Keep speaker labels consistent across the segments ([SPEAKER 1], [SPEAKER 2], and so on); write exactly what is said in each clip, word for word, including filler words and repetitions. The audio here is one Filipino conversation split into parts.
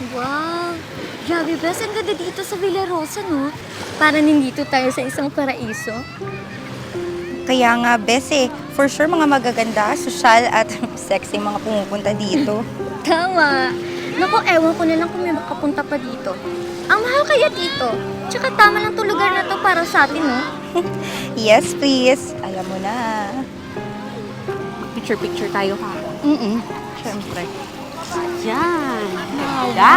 [SPEAKER 1] Wow! Grabe, Bes. Ang ganda dito sa Villarosa, no? Para nandito tayo sa isang paraiso.
[SPEAKER 2] Kaya nga, Bes eh, for sure mga magaganda, sosyal at sexy mga pumupunta dito.
[SPEAKER 1] Tama! Naku, ewan ko na lang kung may makapunta pa dito. Ang mahal kaya dito. Tsaka tama lang to lugar na to para sa atin, no?
[SPEAKER 2] Yes, please. Alam mo na.
[SPEAKER 3] Picture-picture tayo ha.
[SPEAKER 2] Mm-mm. Siyempre.
[SPEAKER 3] Yan.
[SPEAKER 2] Ganda.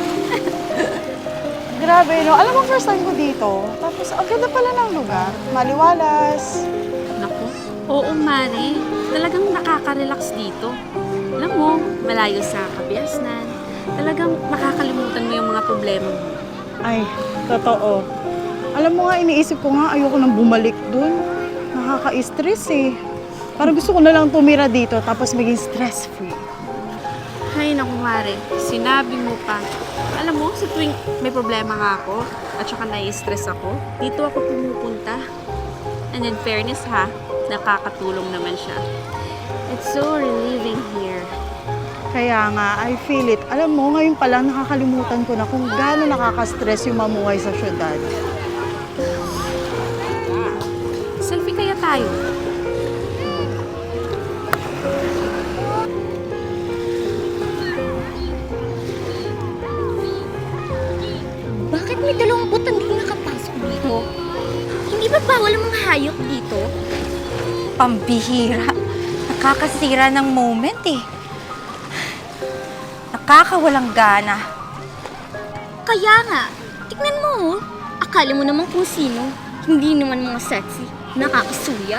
[SPEAKER 4] Grabe, no? Alam mo, first time ko dito. Tapos, ang ganda pala ng lugar. Maliwalas.
[SPEAKER 3] Naku. Oo, Mari. Talagang nakaka-relax dito. Alam mo, malayo sa kabiasnan. Talagang makakalimutan mo yung mga problema mo.
[SPEAKER 4] Ay, totoo. Alam mo nga, iniisip ko nga, ayoko nang bumalik dun. Nakaka-stress eh. Parang gusto ko na lang tumira dito tapos maging stress-free.
[SPEAKER 3] Ay, naku, Mari. Sinabi mo pa. Alam mo, sa tuwing may problema nga ako at saka nai-stress ako, dito ako pumupunta. And in fairness ha, nakakatulong naman siya. It's so relieving here.
[SPEAKER 4] Kaya nga, I feel it. Alam mo, ngayon pa lang nakakalimutan ko na kung gaano nakaka-stress yung mamuhay sa syudad.
[SPEAKER 3] Selfie kaya tayo?
[SPEAKER 1] Bakit may dalawang butang din nakapasok dito? Hindi ba bawal ang mga hayop dito?
[SPEAKER 2] Pambihira. Nakakasira ng moment eh. Nakakawalang gana.
[SPEAKER 1] Kaya nga, tignan mo, oh. Akala mo naman kung sino. Hindi naman mga sexy. Nakakasuya.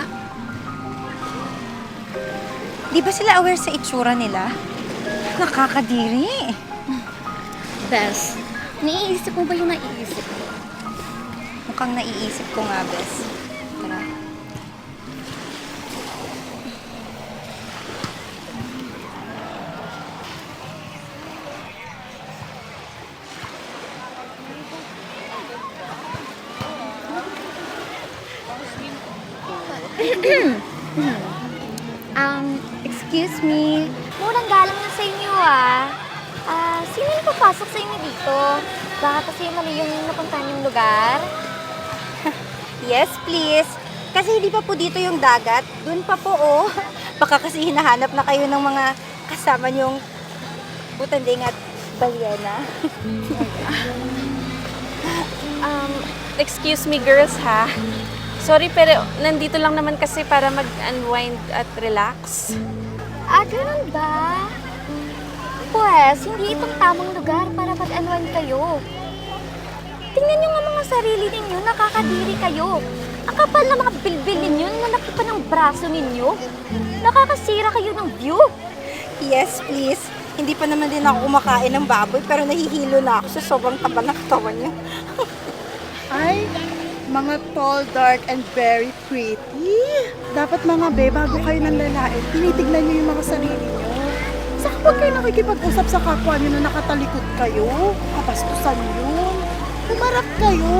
[SPEAKER 2] Di ba sila aware sa itsura nila? Nakakadiri.
[SPEAKER 1] Bes, naiisip mo ba yung naiisip ko?
[SPEAKER 2] Mukhang naiisip ko nga, Bes. Tara.
[SPEAKER 1] Um, excuse me. Murang galang na sa inyo, ah. Ah, sino yung papasok sa inyo dito? Baka kasi mali yung napuntahan yung lugar.
[SPEAKER 2] Yes, please. Kasi hindi pa po dito yung dagat. Doon pa po, oh. Baka kasi hinahanap na kayo ng mga kasama niyong butanding at balyena.
[SPEAKER 3] Um, excuse me girls ha. Sorry pero nandito lang naman kasi para mag-unwind at relax.
[SPEAKER 1] Ah, ganun ba? Pues, hindi itong tamang lugar para mag-unwind kayo. Tingnan nyo nga mga sarili ninyo, nakakadiri kayo. Ang kapal na mga bilbil ninyo, nalaki pa ng braso ninyo. Nakakasira kayo ng view.
[SPEAKER 2] Yes, please. Hindi pa naman din ako kumakain ng baboy pero nahihilo na ako sa sobrang taba ng katawan niyo.
[SPEAKER 4] Ay, mga tall, dark, and very pretty. Dapat mga be, bago kayo ng lalait, tinitignan niyo yung mga sarili niyo. Saka huwag kayo nakikipag-usap sa kapwa niyo na nakatalikod kayo. Kapastusan yun. Humarap kayo.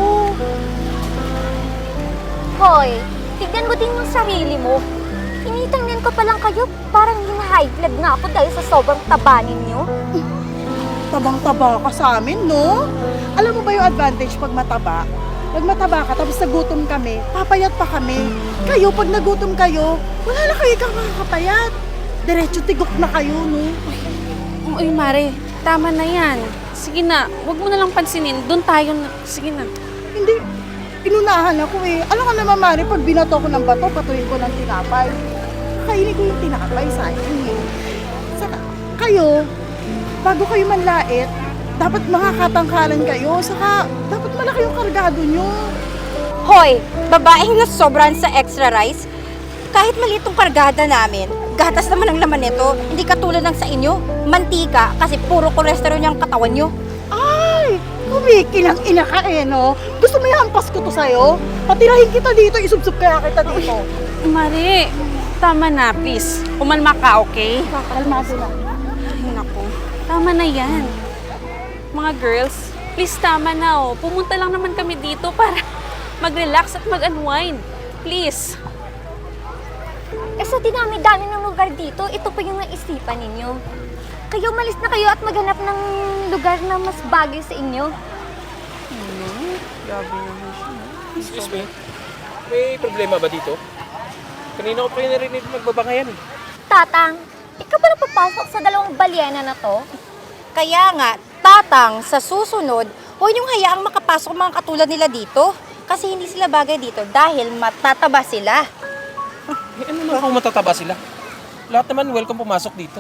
[SPEAKER 1] Hoy, tignan mo din yung sarili mo. Tinitingnan ko pa lang kayo, parang hina-high blood na ako dahil sa sobrang taba ninyo.
[SPEAKER 4] Tabang-taba ka sa amin, no? Alam mo ba yung advantage pag mataba? Pag mataba ka, tapos nagutom kami, papayat pa kami. Kayo, pag nagutom kayo, wala na kayo kang makakapayat. Diretso tigok na kayo, no?
[SPEAKER 3] Uy Mare, tama na yan. Sige na, wag mo na lang pansinin. Doon tayo na. Sige na.
[SPEAKER 4] Hindi, inunahan ako eh. Alam ka naman, Mari, pag binato ko ng bato, patuloy ko ng tinapay. Kainin ko yung tinapay sa akin eh. Saka, kayo, bago kayo manlait, dapat makakatangkalan kayo. Saka, dapat malaki yung kargado nyo.
[SPEAKER 2] Hoy, babaeng na sobran sa extra rice. Kahit maliit tong kargada namin, gatas naman ang laman nito. Hindi katulad ng sa inyo, mantika kasi puro kolesterol yung katawan nyo.
[SPEAKER 4] Ay, kumikilang ina ka eh, no? Gusto mo ihampas ko to sa'yo? Patirahin kita dito, isubsob kaya kita dito.
[SPEAKER 3] Mare, tama na please. Umalma ka, okay?
[SPEAKER 4] Kalmado na.
[SPEAKER 3] Ay naku, tama na yan. Mga girls, please tama na oh. Pumunta lang naman kami dito para mag-relax at mag-unwind. Please.
[SPEAKER 1] Eh sa dinami-dami ng lugar dito, ito pa yung naisipan ninyo. Kayo malis na kayo at maghanap ng lugar na mas bagay sa inyo.
[SPEAKER 3] Grabe naman siya.
[SPEAKER 5] Excuse me, may problema ba dito? Kanina ko pa yung narinig magbabangayan.
[SPEAKER 1] Tatang, ikaw ba napapasok sa dalawang balyena na to?
[SPEAKER 2] Kaya nga, tatang, sa susunod, huwag niyong hayaang makapasok ang mga katulad nila dito. Kasi hindi sila bagay dito dahil matataba sila.
[SPEAKER 5] Eh, ano naman kung matataba sila? Lahat naman welcome pumasok dito.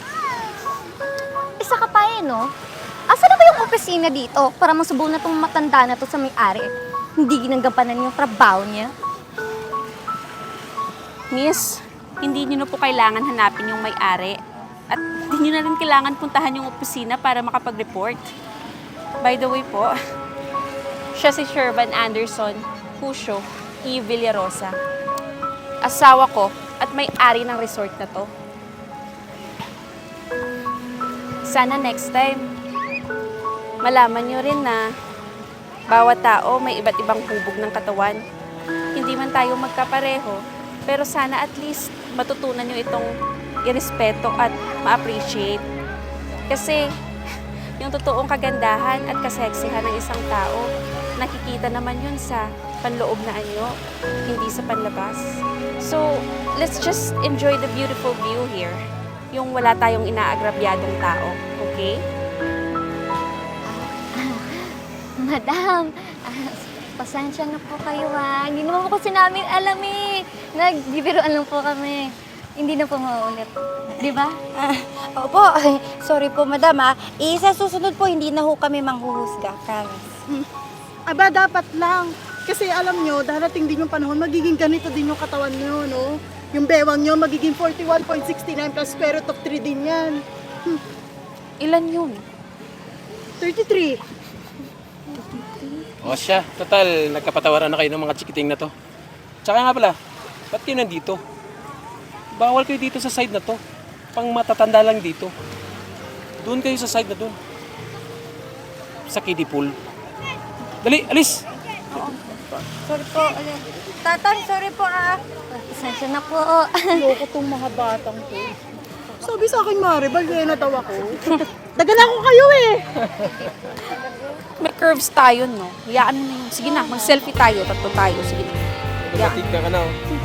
[SPEAKER 1] Isa ka pa eh, no? Asa na ba yung opisina dito para masubo na tong matanda na to sa may-ari? Hindi ginagampanan yung trabaho niya.
[SPEAKER 3] Miss, hindi niyo na po kailangan hanapin yung may-ari. At hindi niyo na rin kailangan puntahan yung opisina para makapag-report. By the way po, siya si Shervan Anderson Cusio E. Villarosa. Asawa ko at may-ari ng resort na to. Sana next time, malaman nyo rin na bawat tao may iba't ibang hubog ng katawan. Hindi man tayo magkapareho, pero sana at least matutunan nyo itong irespeto at ma-appreciate. Kasi yung totoong kagandahan at kaseksihan ng isang tao, nakikita naman yun sa panloob na anyo, hindi sa panlabas. So, let's just enjoy the beautiful view here. Yung wala tayong inaagrabyadong tao, okay?
[SPEAKER 1] Madam, ah, pasensya na po kayo ha. Hindi naman po kasi namin alam eh. Nagbibiruan lang po kami. Hindi na po maulit. Di ba?
[SPEAKER 2] Ah, opo, ay, sorry po madam ah. Eh, sa susunod po, hindi na ho kami manghuhusga. Promise.
[SPEAKER 4] Aba, dapat lang. Kasi alam nyo, darating din yung panahon, magiging ganito din yung katawan nyo, no? Yung bewang nyo, magiging forty-one point six nine plus square root of three din yan.
[SPEAKER 3] Ilan yun?
[SPEAKER 4] thirty-three.
[SPEAKER 5] O siya, total, nagkapatawaran na kayo ng mga chikiting na to. Tsaka nga pala, ba't kayo nandito? Bawal kayo dito sa side na to. Pang matatanda lang dito. Doon kayo sa side na doon. Sa kiddie pool. Dali, alis!
[SPEAKER 2] Sorry po. Ano, tatang, sorry po ah.
[SPEAKER 1] Pasensya na po.
[SPEAKER 4] Loko tong mga batang to. Sabi sa akin, Mare, balyena daw ako. Dagan ako kayo eh.
[SPEAKER 3] May curves tayo, no? Hayaan mo na yun. Sige na, mag-selfie tayo. Tatlo tayo. Sige na.
[SPEAKER 5] Mabatid ka ka na. oh.